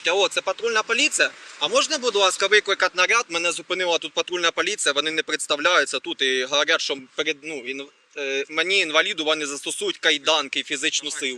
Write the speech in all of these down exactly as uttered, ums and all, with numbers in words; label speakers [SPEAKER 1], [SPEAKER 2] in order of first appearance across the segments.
[SPEAKER 1] О, це патрульна поліція? А можна, будь ласка, викликати наряд? Мене зупинила тут патрульна поліція, вони не представляються тут і говорять, що перед, ну, ін, е, мені, інваліду, вони застосують кайданки і фізичну силу.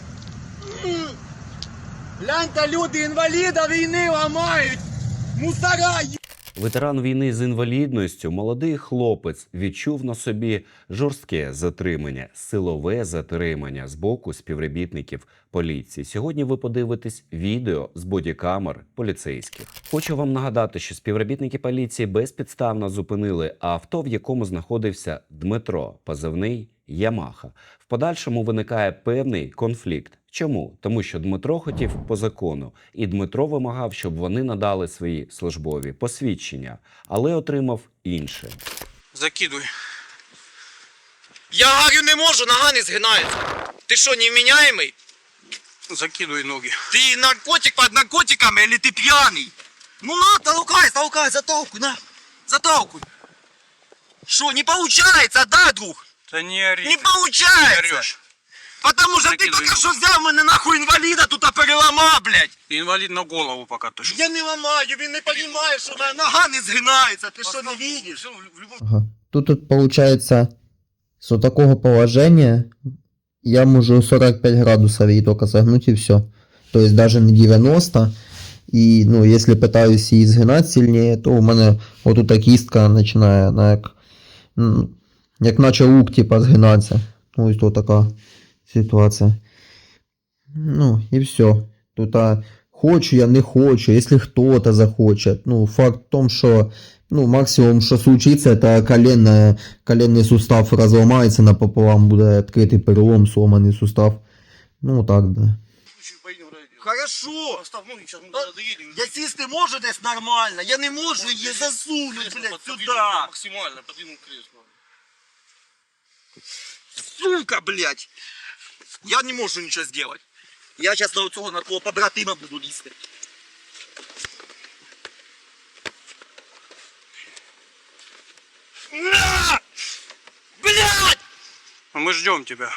[SPEAKER 2] Гляньте, люди інваліда війни ламають! Мусора!
[SPEAKER 3] Ветеран війни з інвалідністю, молодий хлопець, відчув на собі жорстке затримання, силове затримання з боку співробітників поліції. Сьогодні ви подивитесь відео з бодікамер поліцейських. Хочу вам нагадати, що співробітники поліції безпідставно зупинили авто, в якому знаходився Дмитро, позивний Ямаха. В подальшому виникає певний конфлікт. Чому? Тому що Дмитро хотів по закону, і Дмитро вимагав, щоб вони надали свої службові посвідчення, але отримав інше.
[SPEAKER 4] Закидуй.
[SPEAKER 1] Я говорю, не можу, нога не згинається. Ти що, невміняємий?
[SPEAKER 4] Закидуй ноги.
[SPEAKER 1] Ти наркотик під наркотиками, или ти п'яний? Ну на, толкай, толкай, затолкуй, на. Затолкуй. Що, не получается, да, друг?
[SPEAKER 4] Та не ори.
[SPEAKER 1] Не
[SPEAKER 4] ты.
[SPEAKER 1] получается.
[SPEAKER 4] Не орешь.
[SPEAKER 1] Потому що ти
[SPEAKER 4] Закидуй
[SPEAKER 1] тільки
[SPEAKER 4] ногу.
[SPEAKER 1] що взяв мене нахуй інваліда, тут переламав, блядь.
[SPEAKER 4] Ты инвалид на голову пока ты.
[SPEAKER 1] Я не ламаю, він не розуміє, що моя нога не згинається. Ти що, не бачиш?
[SPEAKER 5] Ага. Тут, тут получается, с такого положения я могу сорок пять градусов ей только согнуть и все. То есть даже не девяносто. И, ну, если пытаюсь її згинати сильнее, то у мене вот эта кістка починає, на як, м, як наче лук, типа, згинатися. Ось то така ситуація. Ну, і все. Тут а, хочу я, не хочу, если кто-то захоче. Ну, факт в том, что ну, максимум, что случится, это колено, коленный сустав разломается напополам, буде відкритий перелом, сломаний сустав. Ну, так, да.
[SPEAKER 1] Хорошо. Я сісти можу десь нормально, я не можу її засунути, блядь, сюди.
[SPEAKER 4] Максимально подвинул кресло.
[SPEAKER 1] Сука, блядь. Я не можу нічого зробити. Я зараз на цього наркого побратима буду лізти. На! Блядь!
[SPEAKER 4] А мы ждем тебя.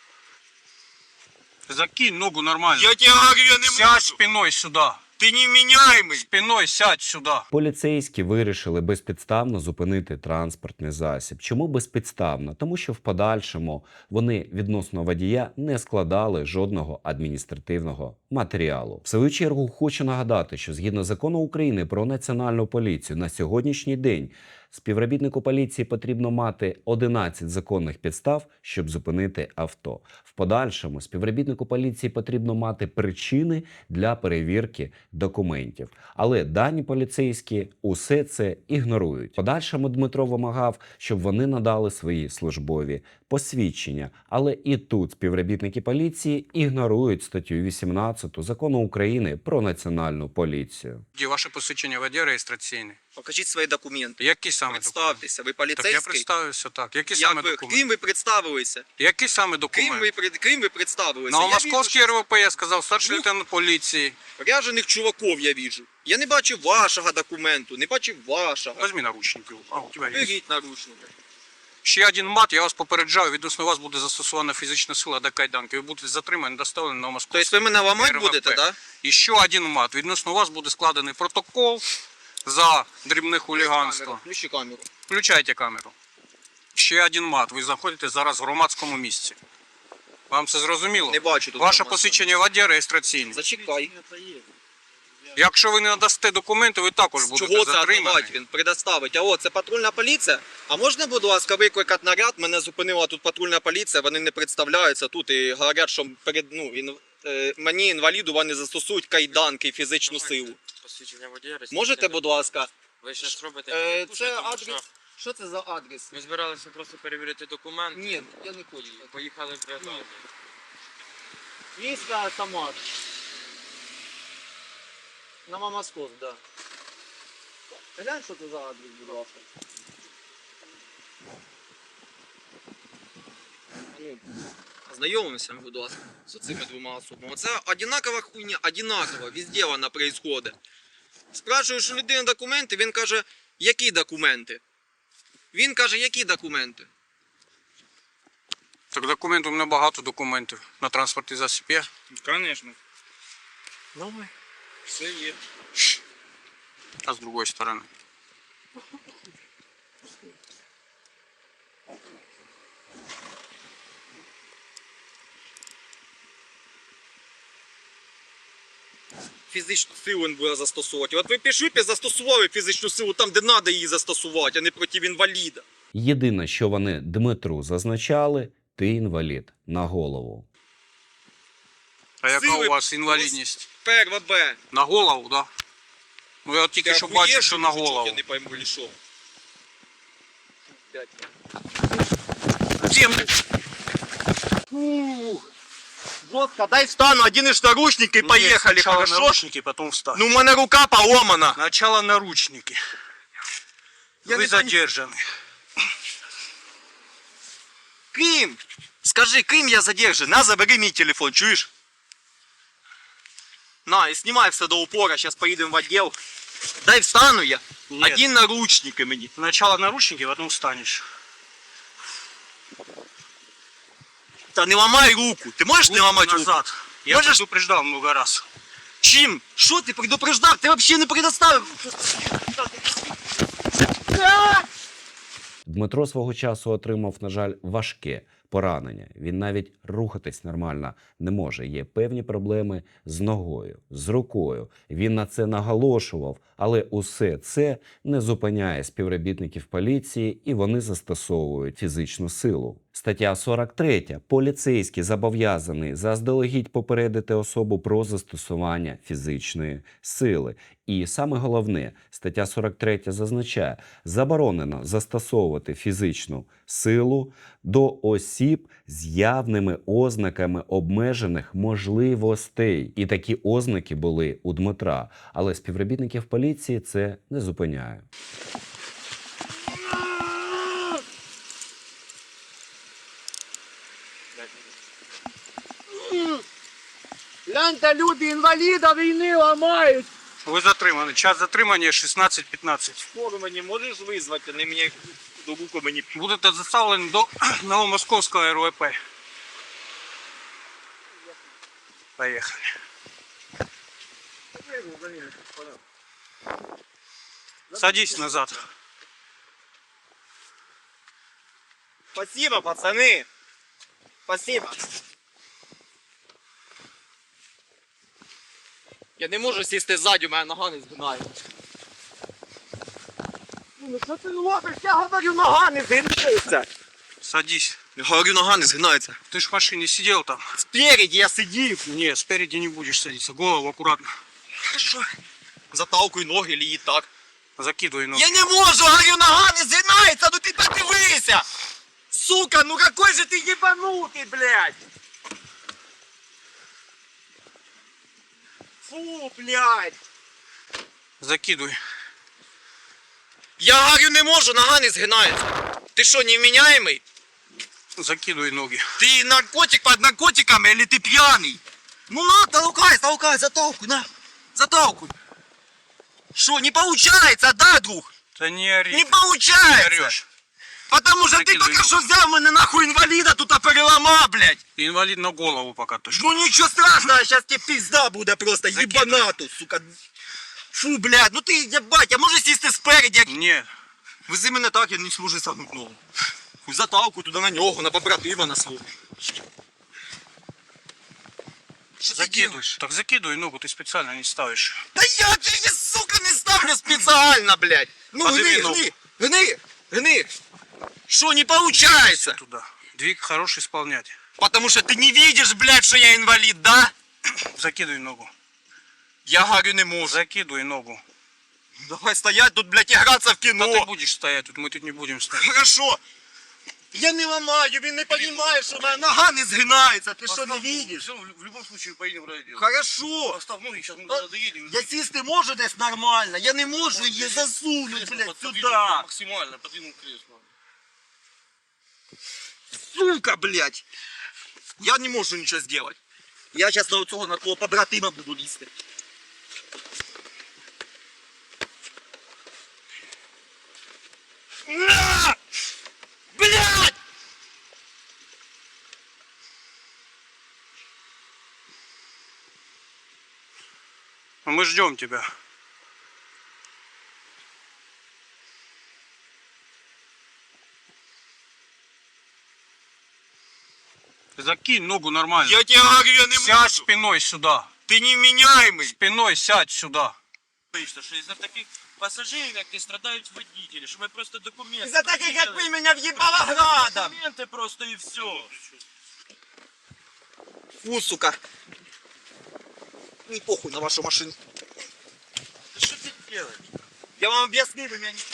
[SPEAKER 4] Закинь ногу нормально.
[SPEAKER 1] Я тебе говорю, я не
[SPEAKER 4] Сядь
[SPEAKER 1] можу.
[SPEAKER 4] спиной сюда.
[SPEAKER 1] Ти невміняємий.
[SPEAKER 4] Спиной сядь сюда.
[SPEAKER 3] Поліцейські вирішили безпідставно зупинити транспортний засіб. Чому безпідставно? Тому що в подальшому вони відносно водія не складали жодного адміністративного матеріалу. В свою чергу хочу нагадати, що згідно закону України про національну поліцію на сьогоднішній день співробітнику поліції потрібно мати одинадцять законних підстав, щоб зупинити авто. В подальшому співробітнику поліції потрібно мати причини для перевірки документів. Але дані поліцейські усе це ігнорують. В подальшому Дмитро вимагав, щоб вони надали свої службові посвідчення. Але і тут співробітники поліції ігнорують статтю вісімнадцяту Закону України про національну поліцію.
[SPEAKER 4] Где ваше посвідчення водія реєстраційне?
[SPEAKER 1] Покажіть свої документи.
[SPEAKER 4] Які саме документи?
[SPEAKER 1] Представтеся, ви
[SPEAKER 4] Так я
[SPEAKER 1] поліцейський?
[SPEAKER 4] представився так. Які
[SPEAKER 1] Я
[SPEAKER 4] саме
[SPEAKER 1] ви-
[SPEAKER 4] документи?
[SPEAKER 1] Ким ви представилися?
[SPEAKER 4] Які саме
[SPEAKER 1] Ким
[SPEAKER 4] документи?
[SPEAKER 1] ви, пред- ким ви представилися?
[SPEAKER 4] На
[SPEAKER 1] Я
[SPEAKER 4] московській
[SPEAKER 1] вижу,
[SPEAKER 4] РВП я сказав, старший
[SPEAKER 1] Ну,
[SPEAKER 4] лейтенант поліції.
[SPEAKER 1] що ряжених чуваків я вижу. Я не бачив вашого документу, не бачив вашого.
[SPEAKER 4] Возьми наручники. А, у тебе є.
[SPEAKER 1] Беріть наручники.
[SPEAKER 4] Ще один мат, я вас попереджаю, відносно вас буде застосована фізична сила до кайданки. Ви будете затримані, доставлені на московську.
[SPEAKER 1] Тобто ви мене ламати
[SPEAKER 4] РВП.
[SPEAKER 1] будете, так? Да?
[SPEAKER 4] І ще один мат. Відносно вас буде складений протокол за дрібне хуліганство.
[SPEAKER 1] Включи камеру.
[SPEAKER 4] Включайте камеру. Ще один мат. Ви знаходитесь зараз в громадському місці. Вам це зрозуміло?
[SPEAKER 1] Не бачу тут.
[SPEAKER 4] Ваше
[SPEAKER 1] нормально.
[SPEAKER 4] посвідчення водія реєстраційне.
[SPEAKER 1] Зачекай.
[SPEAKER 4] Якщо ви не надасте документи, ви також будете
[SPEAKER 1] Чого це
[SPEAKER 4] затримані.
[SPEAKER 1] отдавати він предоставить? Алло, це патрульна поліція? А можна, будь ласка, викликати наряд? Мене зупинила тут патрульна поліція, вони не представляються тут і говорять, що перед, ну, ін, е, мені, інваліду, вони застосують кайданки і фізичну силу.
[SPEAKER 6] Посвідчення водія.
[SPEAKER 1] Можете, будь ласка?
[SPEAKER 6] Ви зараз робите
[SPEAKER 1] Е,
[SPEAKER 6] перепрошую,
[SPEAKER 1] це
[SPEAKER 6] тому
[SPEAKER 1] адрес.
[SPEAKER 6] що
[SPEAKER 1] Що це за адрес?
[SPEAKER 6] Ми збиралися просто перевірити документ.
[SPEAKER 1] Ні, я не хочу.
[SPEAKER 6] Поїхали в Рязань.
[SPEAKER 1] Міста Самар. На Мамасков, да. Глянь, що це за адрес, будь ласка. Ну, знайомимося, будь ласка, з цими двома особами. Це одинакова хуйня, одинакова, везде вона происходить. Спрашую, що людина документи, він каже, які документи? Він каже, які документи?
[SPEAKER 4] Так документів, у мене багато документів на транспортний засіб є.
[SPEAKER 2] Конечно.
[SPEAKER 1] Давай.
[SPEAKER 6] Все є.
[SPEAKER 4] А с другой стороны?
[SPEAKER 1] Фізичну силу він буде застосовувати. От ви пішли б і застосували фізичну силу там, де треба її застосувати, а не проти інваліда.
[SPEAKER 3] Єдине, що вони Дмитру зазначали, ти інвалід на голову.
[SPEAKER 4] А яка
[SPEAKER 1] Сили
[SPEAKER 4] у вас інвалідність?
[SPEAKER 1] Перва Б.
[SPEAKER 4] На голову, да? Ну я тільки що бачу, що на голову.
[SPEAKER 1] Я не пойму, или що. Жестко, дай встану, оденешь наручники и поехали,
[SPEAKER 4] Сначала
[SPEAKER 1] хорошо?
[SPEAKER 4] наручники, потом встать.
[SPEAKER 1] Ну, у меня рука поломана.
[SPEAKER 4] Сначала наручники.
[SPEAKER 1] Я
[SPEAKER 4] Вы
[SPEAKER 1] не
[SPEAKER 4] задержаны.
[SPEAKER 1] Ким? Скажи, ким я задержан? На, забери мой телефон, чуешь? На, и снимай все до упора, сейчас поедем в отдел. Дай встану я.
[SPEAKER 4] Нет.
[SPEAKER 1] Один наручники мне.
[SPEAKER 4] Сначала наручники, потом встанешь.
[SPEAKER 1] Да не ломай руку. Ты можешь не ломать руку?
[SPEAKER 4] назад. Я
[SPEAKER 1] Можешь-
[SPEAKER 4] предупреждал много раз.
[SPEAKER 1] Чим? Что ты предупреждал? Ты вообще не предоставил.
[SPEAKER 3] Дмитро свого часу отримав, на жаль, важке поранення. Він навіть рухатись нормально не може. Є певні проблеми з ногою, з рукою. Він на це наголошував, але усе це не зупиняє співробітників поліції, і вони застосовують фізичну силу. Стаття сорок три. Поліцейський зобов'язаний заздалегідь попередити особу про застосування фізичної сили. І саме головне, стаття сорок три зазначає, заборонено застосовувати фізичну силу до осіб з явними ознаками обмежених можливостей. І такі ознаки були у Дмитра, але співробітників поліції це не зупиняє.
[SPEAKER 2] Гляньте, люди інваліда війни ламають.
[SPEAKER 4] Ви затримані. Час затримання шістнадцять п'ятнадцять.
[SPEAKER 1] Скоро мені можеш визвати, не мені до руку мені.
[SPEAKER 4] Будете доставлені до Новомосковського ер вэ пе. Поехали. Садись назад.
[SPEAKER 1] Спасибо, пацаны. Спасибо. Я не можу сісти ззаді, у мене нога не згинає. Ну що ти робиш? Я говорю, нога не згинається.
[SPEAKER 4] Садись.
[SPEAKER 1] Я говорю, нога не згинається.
[SPEAKER 4] Ты ж в машине сидел там.
[SPEAKER 1] Спереді я сидів.
[SPEAKER 4] Не, спереди не будешь садиться. Голову аккуратно.
[SPEAKER 1] Хорошо. Заталкуй ноги, или і так.
[SPEAKER 4] Закидывай ногу.
[SPEAKER 1] Я не можу, говорю, нога не згинається, ну ти подивися. Сука, ну какой же ты ебанутый, блядь. Фу, блядь.
[SPEAKER 4] Закидывай.
[SPEAKER 1] Я говорю, не можу, нога не згинається. Ти що, невменяемый?
[SPEAKER 4] Закидывай ноги.
[SPEAKER 1] Ты наркотик под наркотиками или ты пьяный? Ну на, толкай, толкай, затолкуй, на. Затолкуй. Что, не получается, да, друг?
[SPEAKER 4] Да не ори.
[SPEAKER 1] Не
[SPEAKER 4] Не
[SPEAKER 1] получается.
[SPEAKER 4] орешь.
[SPEAKER 1] Потому что ты
[SPEAKER 4] Закидывай
[SPEAKER 1] только
[SPEAKER 4] ногу.
[SPEAKER 1] что взял меня нахуй инвалида тут переломал, блядь.
[SPEAKER 4] Ты инвалид на голову пока точно.
[SPEAKER 1] Ну ничего страшного, сейчас тебе пизда будет просто,
[SPEAKER 4] Закидывай.
[SPEAKER 1] ебанату, сука. Фу, блядь, ну ты, ебать, я можу сісти спереді, як...
[SPEAKER 4] Нет.
[SPEAKER 1] Вези мене так, я не зможу сагнути ногу. Хуй заталку туди на нього, на побратима, на свого. Що ти
[SPEAKER 4] Закидывай.
[SPEAKER 1] делаешь?
[SPEAKER 4] Так закидывай ногу, ты специально не ставишь.
[SPEAKER 1] Та я тебе, сука, не ставлю специально, блядь. Ну
[SPEAKER 4] Подними
[SPEAKER 1] гни,
[SPEAKER 4] ногу.
[SPEAKER 1] гни, гни, гни. Что, не получается?
[SPEAKER 4] Туда. Двиг хороший исполнять.
[SPEAKER 1] Потому что ты не видишь, блядь, что я инвалид, да?
[SPEAKER 4] Закидывай ногу.
[SPEAKER 1] Я говорю, не можу.
[SPEAKER 4] Закидывай ногу.
[SPEAKER 1] Давай стоять тут, блядь, играться в
[SPEAKER 4] Да ты
[SPEAKER 1] кино.
[SPEAKER 4] будешь стоять тут, мы тут не будем стоять.
[SPEAKER 1] Хорошо. Я не ламаю, він не розуміє, що моя нога не згинається. Ти що, не видиш?
[SPEAKER 4] В любом случае поедем в райотдел.
[SPEAKER 1] Хорошо.
[SPEAKER 4] Поставь ноги, сейчас мы
[SPEAKER 1] А,
[SPEAKER 4] туда доедем.
[SPEAKER 1] Я сісти можу десь нормально, я не можу її засунути, блядь, сюди.
[SPEAKER 4] Максимально подвинул кресло.
[SPEAKER 1] Сука, блядь. Я не можу нічого зробити. Я зараз на цього на твого побратима буду лізти. На! Блядь!
[SPEAKER 4] Мы ждем тебя. Закинь ногу нормально.
[SPEAKER 1] Я тебе говорю, я не
[SPEAKER 4] Сядь
[SPEAKER 1] можу.
[SPEAKER 4] спиной сюда.
[SPEAKER 1] Ти невменяемый.
[SPEAKER 4] Спиной сядь сюда.
[SPEAKER 6] Що із-за таких пасажирів, як ти, страдають водителі, що ми просто документи...
[SPEAKER 1] Из-за таких, как вы, меня въебало градом.
[SPEAKER 6] Документи просто і все.
[SPEAKER 1] Фу, сука. Не похуй на вашу машину.
[SPEAKER 6] Ти що ти робиш?
[SPEAKER 1] Я вам объяснил, вы меня не...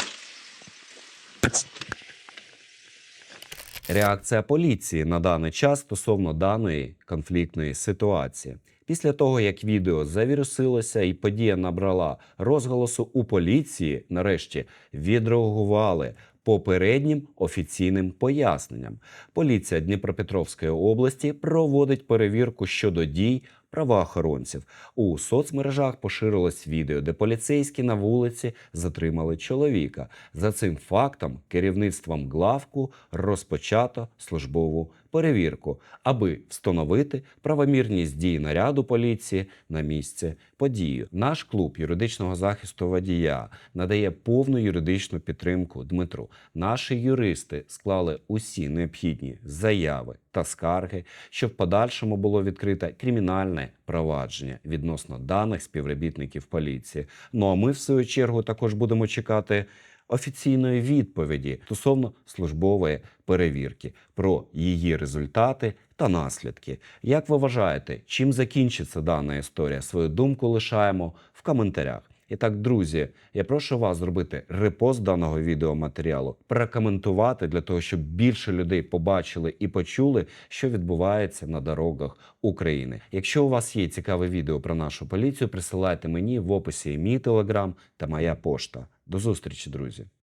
[SPEAKER 3] Реакція поліції на даний час стосовно даної конфліктної ситуації. Після того, як відео завірусилося і подія набрала розголосу, у поліції нарешті відреагували попереднім офіційним поясненням. Поліція Дніпропетровської області проводить перевірку щодо дій правоохоронців. У соцмережах поширилось відео, де поліцейські на вулиці затримали чоловіка. За цим фактом керівництвом главку розпочато службову перевірку, аби встановити правомірність дій наряду поліції на місце події. Наш клуб юридичного захисту водія надає повну юридичну підтримку Дмитру. Наші юристи склали усі необхідні заяви та скарги, щоб в подальшому було відкрите кримінальне провадження відносно даних співробітників поліції. Ну а ми, в свою чергу, також будемо чекати офіційної відповіді стосовно службової перевірки, про її результати та наслідки. Як ви вважаєте, чим закінчиться дана історія? Свою думку лишаємо в коментарях. І так, друзі, я прошу вас зробити репост даного відеоматеріалу, прокоментувати для того, щоб більше людей побачили і почули, що відбувається на дорогах України. Якщо у вас є цікаве відео про нашу поліцію, присилайте мені в описі мій телеграм та моя пошта. До зустрічі, друзі!